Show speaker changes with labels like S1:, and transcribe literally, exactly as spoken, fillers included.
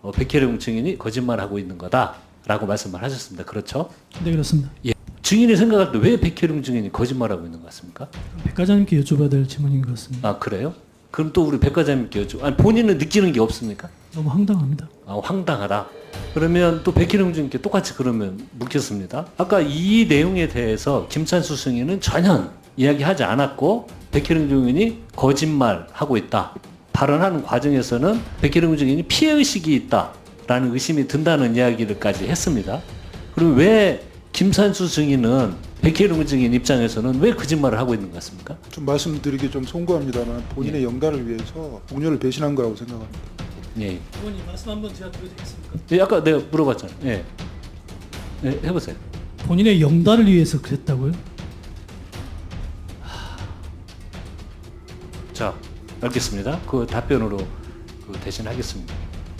S1: 어, 백혜령 증인이 거짓말하고 있는 거다라고 말씀을 하셨습니다. 그렇죠?
S2: 네, 그렇습니다.
S1: 예. 증인이 생각할 때 왜 백혜령 증인이 거짓말하고 있는 것 같습니까?
S2: 백 과장님께 여쭤봐야 될 질문인 것 같습니다.
S1: 아 그래요? 그럼 또 우리 백 과장님께 여쭤. 아니 본인은 느끼는 게 없습니까?
S2: 너무 황당합니다.
S1: 아, 황당하다. 그러면 또 백희룡 증인께 똑같이 그러면 묻겠습니다. 아까 이 내용에 대해서 김찬수 승인은 전혀 이야기하지 않았고 백희룡 증인이 거짓말하고 있다. 발언하는 과정에서는 백희룡 증인이 피해의식이 있다라는 의심이 든다는 이야기를까지 했습니다. 그럼 왜 김찬수 증인은 백희룡 증인 입장에서는 왜 거짓말을 하고 있는 것 같습니까?
S3: 좀 말씀드리기 좀 송구합니다만 본인의
S1: 예.
S3: 영달을 위해서 동료를 배신한 거라고 생각합니다.
S1: 예.
S2: 의원님 말씀 한번 제가 드려도 되겠습니까?
S1: 예, 아까 내가 물어봤잖아요. 예. 예, 해보세요.
S2: 본인의 영달을 위해서 그랬다고요?
S1: 자, 알겠습니다. 그 답변으로 그 대신하겠습니다.